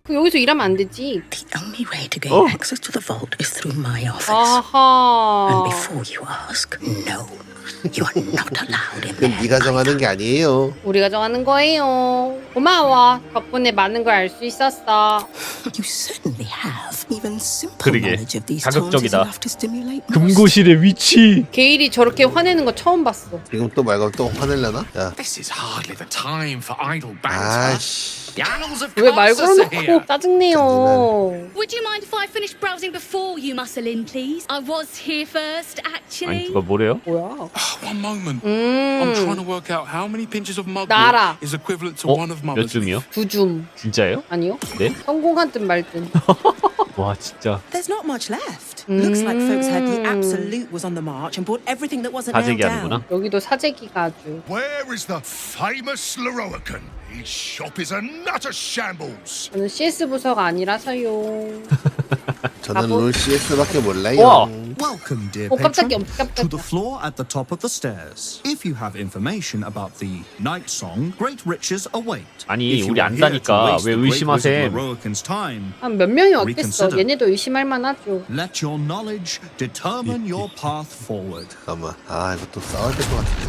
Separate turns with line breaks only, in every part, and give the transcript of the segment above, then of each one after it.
그 여기서 일하면 안 되지.
The only way to gain access to the vault is through my office.
아하.
And before you ask, no, you are not allowed in
그건
there.
네가 정하는 게 아니에요.
우리가 정하는 거예요. 고마워. 덕분에 많은 걸 알 수 있었어.
You certainly have. Even simple
그러게.
knowledge of these tones is
자극적이다.
enough to stimulate most.
금고실의 위치.
게일이 저렇게 화내는 거 처음 봤어.
지금 또 말고 또 화낼려나? 야,
This is hardly the time for idle banter.
아씨.
The annals of
왜 말
Consus are here.
걸어놓고 짜증내요.
Would you mind if I finished browsing before you muscle in, please? I was here first,
아니
actually.
누가 뭐래요?
뭐야?
One moment. I'm trying to work out how many pinches of mud
나라.
is equivalent to
어?
one of
몇
mother's.
줌이요?
9줌.
진짜예요?
아니요?
네?
성공한 듯 말 듯.
와 진짜
There's not much left. Looks like folks heard the Absolute was on the march and bought everything that wasn't nailed
사재기
down.
하는구나.
여기도 사재기가 아주.
Where is the famous Leroican? His shop is a nutter shambles.
저는 CS 부서가 아니라서요.
저는
바보.
롤 CS밖에 몰라요.
와.
Welcome, dear
오 깜짝이야.
patron, to
깜짝이야.
the floor at the top of the stairs. If you have information about the night song, great riches await.
아니,
If you
우리
are here to
안다니까
waste
왜
the great
의심하셈?
wizard Leroican's time,
한 몇 명이 어땠어?
Reconsider.
얘네도 의심할 만하죠.
let your knowledge determine your path forward.
잠깐만. 아, 이거 또 싸워야 될 것 같은데.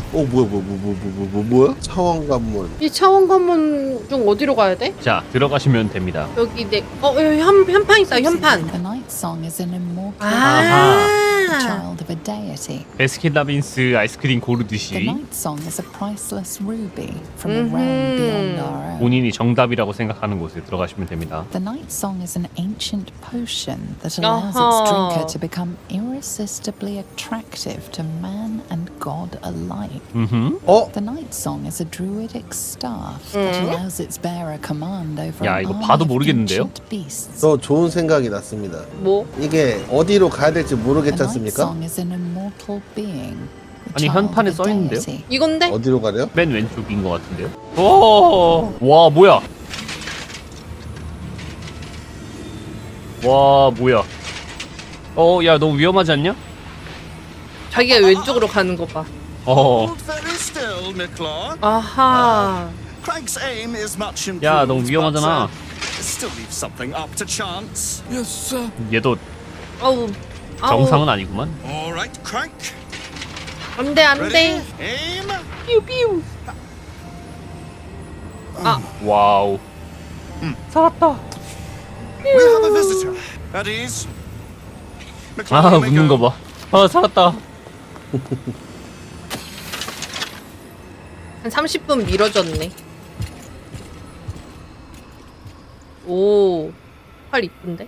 뭐야? 차원 관문.
이 차원 관문 중 어디로 가야 돼?
자 들어가시면 됩니다.
여기 여기 현판 있다. 현판.
The night song is an immortal
아.
child of a deity.
베스킨라빈스 아이스크림
The
고르듯이
night song is a priceless ruby from a realm beyond our own.
본인이 정답이라고 생각하는 곳에 들어가시면 됩니다.
The night song is an ancient potion that allows its drinker to become irresistibly attractive to man and god alike. The night song is a druidic staff that allows its bearer command over
야,
an
이거
army
봐도
of
모르겠는데요?
ancient beasts.
저 좋은 생각이 났습니다.
뭐?
이게 어디로 가야 될지
The night
모르겠지 않습니까?
song is an immortal being.
아니,
the child
현판에
of a
써 있는데요?
deity.
이건데?
어디로 가래요?
맨 왼쪽인 것 같은데요? 오, 와 뭐야? 와 뭐야? 야 너무 위험하지 않냐?
자기가 왼쪽으로 가는 거 봐.
Hold very still, Nicklaw.
아하.
Craig's aim is much improved,
야 너무 위험하잖아.
but, still leaves something up to chance.
Yes, sir.
얘도
아우.
정상은 아니구만.
All right, Craig.
안돼
Ready?
안돼.
Aim.
삐우삐우.
와우. 살았다.
We have a visitor. At ease.
아
McLean, you may
웃는
go.
거 봐. 아 살았다.
한 30분 미뤄졌네. 오. 팔 이쁜데?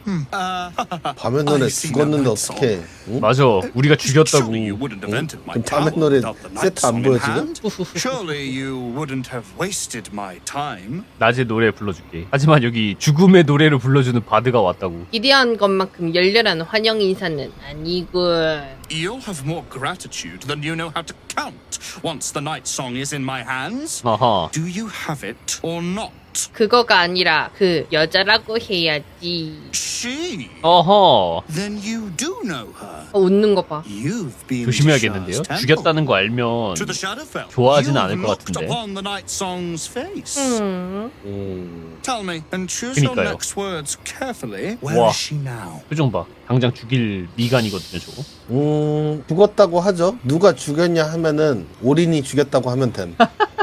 밤의 노래
I see
죽었는데
that
어떡해. 응?
맞아. 우리가 죽였다고.
Surely you wouldn't have entered my
그럼 밤의
town
노래
without the night
세트 안
song
보여
in
지금?
hand. Surely you wouldn't have wasted my time.
낮에 노래 불러줄게. 하지만 여기 죽음의 노래를 불러주는 바드가 왔다고.
기대한 것만큼 열렬한 환영 인사는 아니군.
You'll have more gratitude than you know how to count once the night song is in my hands.
아하.
Do you have it or not?
그거가 아니라 그 여자라고 해야지.
She.
어허.
Then you do know her.
웃는 거 봐.
You've been
조심해야겠는데요.
to Shah's
죽였다는 거 알면
To the Shadowfell.
좋아하진
You've
않을 것
looked
같은데.
upon the night song's face. Tell me and choose your
그니까요.
next words carefully. Where
와.
is she now?
표정 봐. 당장 죽일 미간이거든요, 저거.
죽었다고 하죠. 누가 죽였냐 하면은 올인이 죽였다고 하면 됨.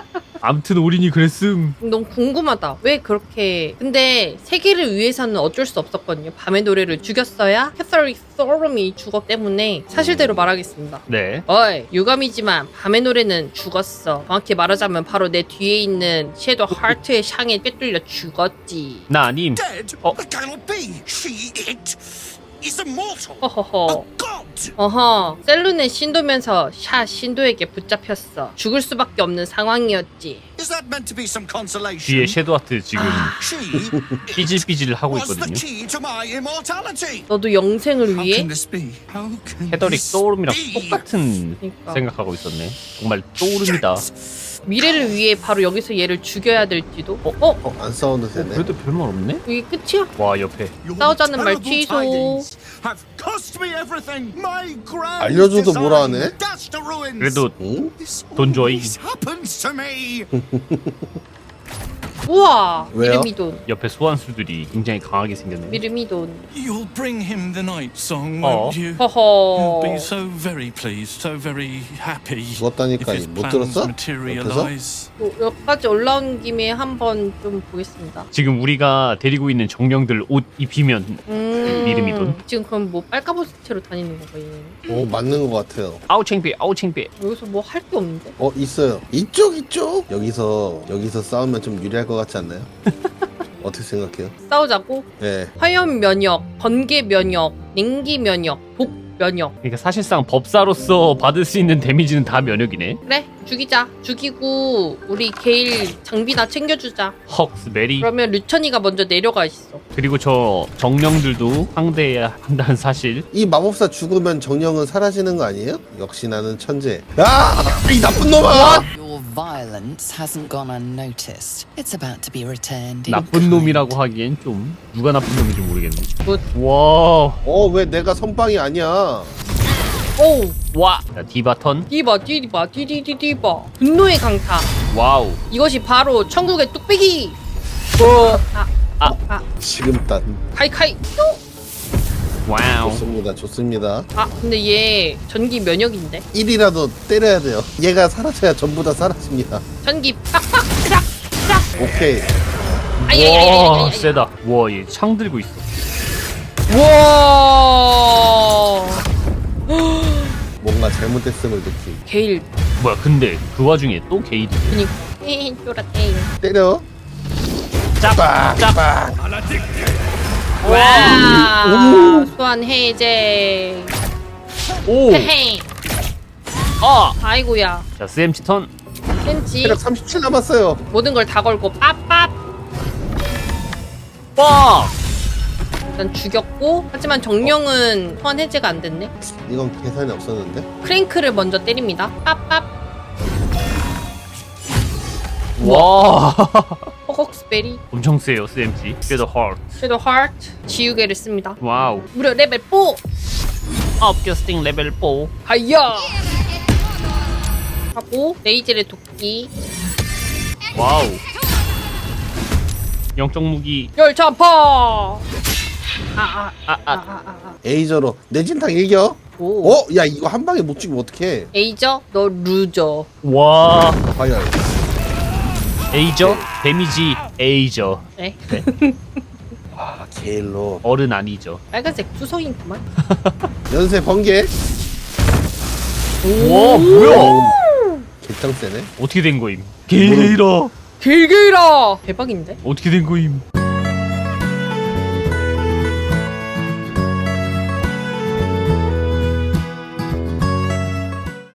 암튼 우린이 그랬음.
너무 궁금하다. 왜 그렇게? 근데 세계를 위해서는 어쩔 수 없었거든요. 밤의 노래를 죽였어야 캐서리 소름이 죽었기 때문에 사실대로 말하겠습니다.
네.
어이, 유감이지만 밤의 노래는 죽었어. 정확히 말하자면 바로 내 뒤에 있는 섀도우 하트의 샹에 꿰뚫려 죽었지.
나 아님.
Dead?
Oh.
That cannot be. It is immortal.
허허허.
A god.
어허. 셀룬의 신도면서 샤 신도에게 붙잡혔어. 죽을 수밖에 없는 상황이었지.
Is that meant to be some consolation?
뒤에 섀도하트 지금
She
삐질삐질 하고
was the
있거든요.
key to my immortality.
너도 영생을
How
위해?
can this be? How can
헤더릭
this
소울음이랑
be?
똑같은
그러니까.
생각하고 있었네. 정말 소울음이다.
미래를 위해 바로 여기서 얘를 죽여야 될지도?
안 싸워도 되네.
그래도 별말 없네?
이게 끝이야?
와 옆에.
Your
싸우자는 말
terrible
취소.
tidings have cost me everything. My grand
알려줘도 뭐라 하네?
design dashed to ruins.
그래도
응?
This
돈 줘이.
always happens to me.
우와.
왜요?
미르미돈.
옆에 소환수들이 굉장히 강하게 생겼네.
미르미돈.
You'll bring him the night song,
Oh.
won't you?
허허.
He'll be so very pleased, so very happy. If
죽었다니까
his
못
plans
들었어?
materialize.
여기까지 올라온 김에 한번 좀 보겠습니다.
지금 우리가 데리고 있는 정령들 옷 입히면 미르미돈.
지금 그럼 뭐 빨까보스 채로 다니는 거예요?
오 맞는 것 같아요.
아우 창피해, 아우 창피해.
여기서 뭐 할 게 없는데?
있어요. 이쪽 여기서 싸우면 좀 유리할 것 같지 않나요? 어떻게 생각해요?
싸우자고?
네.
화염 면역, 번개 면역, 냉기 면역, 독 면역.
그러니까 사실상 법사로서 받을 수 있는 데미지는 다 면역이네.
그래, 죽이자. 죽이고 우리 게일 장비나 챙겨주자.
헉스 메리.
그러면 류천이가 먼저 내려가 있어.
그리고 저 정령들도 상대해야 한다는 사실.
이 마법사 죽으면 정령은 사라지는 거 아니에요? 역시 나는 천재. 야! 이 나쁜 놈아!
Your violence hasn't gone unnoticed. It's about to be returned. in
나쁜
kind.
놈이라고 하기엔 좀 누가 나쁜 놈인지 모르겠네.
굿.
와.
왜 내가 선빵이 아니야?
오우.
와. 자, 디바 턴.
디바 디바 디디디디바. 분노의 강타.
와우.
이것이 바로 천국의 뚝배기.
지금 딱
카이카이.
와우.
좋습니다.
근데 얘 전기 면역인데.
1이라도 때려야 돼요. 얘가 사라져야 전부 다 사라집니다.
전기 빡빡 크락 크락.
오케이.
와, 세다. 와, 얘 창 들고 있어.
와.
뭔가 잘못됐음을 느낌.
게일.
뭐야, 근데 그 와중에 또 게이드.
그니까. 쫄았대.
때려.
짭. 짭.
와. 소환 해제.
오.
헤헤. 아이고야.
자, CMC 턴.
센치.
체력 37 남았어요.
모든 걸 다 걸고 빡빡.
빡.
일단 죽였고, 하지만 정령은 소환 해제가 안 됐네.
이건 계산이 없었는데.
크랭크를 먼저 때립니다. 빡빡.
와.
허걱스베리.
엄청 세요, CMC. 그래도 헐.
섀도우 하트. 지우개를 씁니다.
와우.
무려 레벨 4.
업캐스팅 레벨 4.
하이야. 하고 레이젤의 도끼.
와우. 영적 무기.
열차파.
에이저로 내진탕 일겨.
오.
야 이거 한 방에 못 죽이면 어떡해.
에이저, 너 루저.
와.
과연.
에이저. 데미지 에이저.
네.
게일로.
어른 아니죠.
빨간색 투성이구만.
연쇄 번개.
와, 뭐야?
개짱 세네.
어떻게 된 거임? 게이라.
길길아. 대박인데?
어떻게 된 거임?